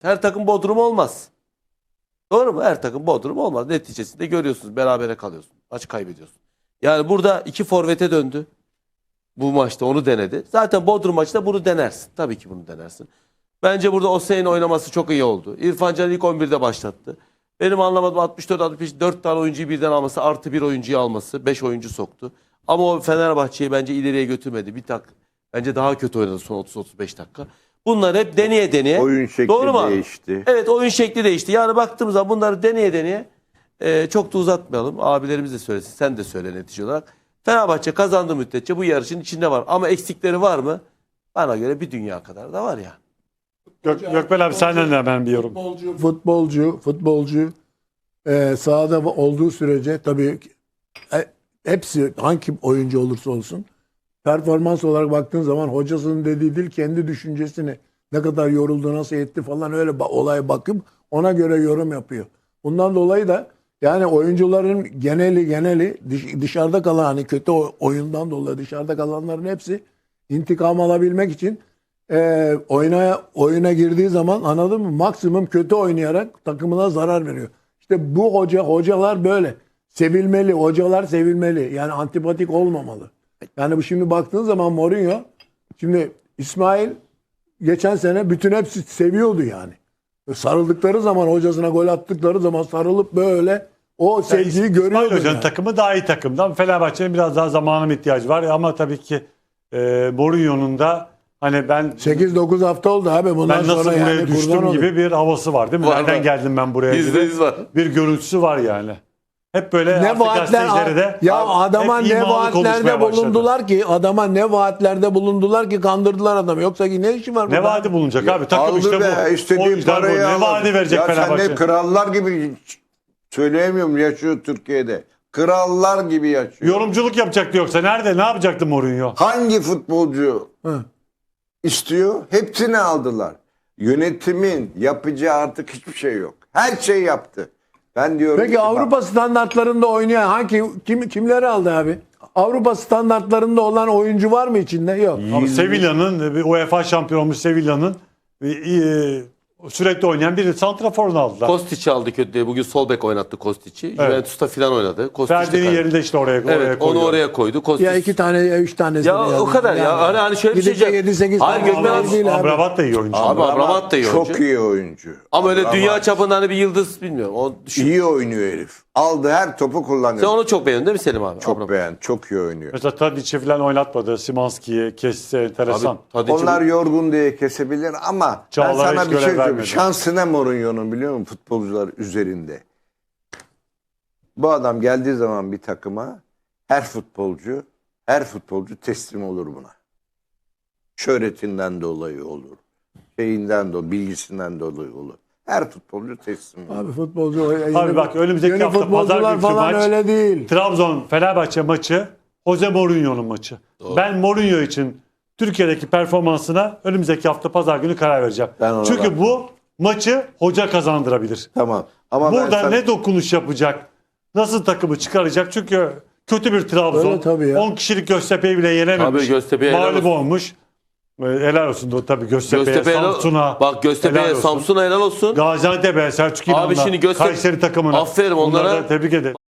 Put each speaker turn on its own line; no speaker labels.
Her takım Bodrum olmaz. Doğru mu? Her takım Bodrum olmaz. Neticesinde görüyorsunuz. Berabere kalıyorsun. Maç kaybediyorsun. Yani burada iki forvete döndü. Bu maçta onu denedi. Zaten Bodrum maçta bunu denersin. Tabii ki bunu denersin. Bence burada Osayi'nin oynaması çok iyi oldu. İrfan Can ilk 11'de başlattı. Benim anlamadığım 64-65 4 tane oyuncuyu birden alması artı bir oyuncuyu alması. 5 oyuncu soktu. Ama o Fenerbahçe'yi bence ileriye götürmedi. Bence daha kötü oynadı son 30-35 dakika. Bunlar hep deneye deneye.
Oyun şekli
Doğru mu?
değişti.
Evet, oyun şekli değişti. Yani baktığımız zaman bunları deneye deneye çok da uzatmayalım. Abilerimiz de söylesin. Sen de söyle netice olarak. Fenerbahçe kazandığı müddetçe bu yarışın içinde var. Ama eksikleri var mı? Bana göre bir dünya kadar da var ya.
Gökmen abi senden de hemen bir yorum.
Futbolcu sahada olduğu sürece tabii hepsi hangi oyuncu olursa olsun performans olarak baktığın zaman hocasının dediği değil kendi düşüncesini ne kadar yoruldu nasıl etti falan öyle olaya bakıp ona göre yorum yapıyor. Bundan dolayı da yani oyuncuların geneli dışarıda kalan hani kötü oyundan dolayı dışarıda kalanların hepsi intikam alabilmek için oyuna girdiği zaman anladın mı? Maksimum kötü oynayarak takımına zarar veriyor. İşte bu hocalar böyle. Sevilmeli. Hocalar sevilmeli. Yani antipatik olmamalı. Yani bu şimdi baktığın zaman Mourinho şimdi İsmail geçen sene bütün hepsi seviyordu yani. Sarıldıkları zaman hocasına gol attıkları zaman sarılıp böyle o sevgiyi görüyordu.
İsmail Hoca'nın
yani.
takımı daha iyi takımdan. Fenerbahçe'nin biraz daha zamana ihtiyacı var. Ama tabii ki Mourinho'nun da hani ben
8-9 hafta oldu abi. Bundan
nasıl
sonra
buraya
yani
düştüm
kurban
gibi
olayım.
bir havası var değil mi?
Var,
Nereden
var.
geldim ben buraya gibi
%100 var.
bir görüntüsü var yani. Hep böyle
Ne
artık gazetecilere de
vaatler ya adama
hep
ne
imalı konuşmaya
vaatlerde
başladı.
bulundular ki adama ne vaatlerde bulundular ki kandırdılar adamı. Yoksa ki ne işi var burada?
Ne vaadi bulunacak abi? Takım işte bu.
İstediği
Oyuncular bu.
parayı
Ne
aldı.
vaadi verecek
ya
Fenerbahçe?
sen ne krallar gibi söyleyemiyorum yaşıyor Türkiye'de. Krallar gibi yaşıyor.
Yorumculuk yapacaktı yoksa. Nerede? Ne yapacaktı Mourinho?
Hangi futbolcu
Hı.
istiyor? Hepsini aldılar. Yönetimin yapacağı artık hiçbir şey yok. Her şey yaptı. Ben diyorum
Peki
ki,
Avrupa standartlarında oynayan kimleri aldı abi? Avrupa standartlarında olan oyuncu var mı içinde? Yok.
Ama Sevilla'nın, UEFA şampiyon olmuş Sevilla'nın sürekli oynayan bir santraforunu aldılar.
Kostic'i aldı kötü diye. Bugün sol bek oynattı Kostic'i. Juventus'ta filan oynadı. Kostić de
Ferdi'nin
kaybetti.
yerinde işte oraya
Evet, onu
koyuyor.
oraya koydu. Kostić.
Ya 2 tane ya 3 tane.
Ya o kadar ya. Hani şöyle bir şey diyeceğim.
7-8
Hayır,
tane
Gökmen abi,
değil abi.
Amrabat da iyi oyuncu.
Abi Amrabat da iyi oyuncu.
çok iyi oyuncu.
Ama öyle
Amrabat
dünya çapında hani bir yıldız bilmiyorum. O düşün.
iyi oynuyor herif. Aldı her topu kullanıyor.
Sen onu çok beğendin değil mi Selim abi?
çok
Amrabat.
beğen, çok iyi oynuyor.
Mesela Tadic'i falan oynatmadı. Simanski'yi kesse enteresan.
Abi, Tadic'i
Onlar yorgun diye kesebilir ama ben
Çağlar'a
sana
hiç
bir şey
görev
söyleyeyim.
vermedi.
Şansına Mourinho'nun biliyor musun futbolcular üzerinde. Bu adam geldiği zaman bir takıma her futbolcu teslim olur buna. Şöhretinden dolayı olur. Şeyinden dolayı, bilgisinden dolayı olur. Her futbolcu teslim olur.
Abi futbolcu
Abi bak önümüzdeki
yeni
hafta
futbolcular
pazar günkü
falan
maç
öyle değil.
Trabzon Fenerbahçe maçı Jose Mourinho'nun maçı.
Doğru.
Ben Mourinho için Türkiye'deki performansına önümüzdeki hafta pazar günü karar vereceğim.
Ben ona
Çünkü
bakmam.
bu maçı hoca kazandırabilir.
Tamam. Ama
Burada
ben sana-
ne dokunuş yapacak? Nasıl takımı çıkaracak? Çünkü kötü bir Trabzon.
Öyle tabii ya.
10 kişilik Göztepe'yi bile yenememiş.
Tabii Göztepe'ye helal
Mağlup
olsun.
olmuş. Helal olsun da tabii Göztepe'ye,
Göztepe'ye
Samsun'a.
bak Göztepe'ye,
helal olsun.
Samsun'a helal olsun.
Gaziantep'e, Selçuk
Abi
İnan'la,
şimdi
Kayseri takımına.
aferin onlara.
Bunları da tebrik ederim.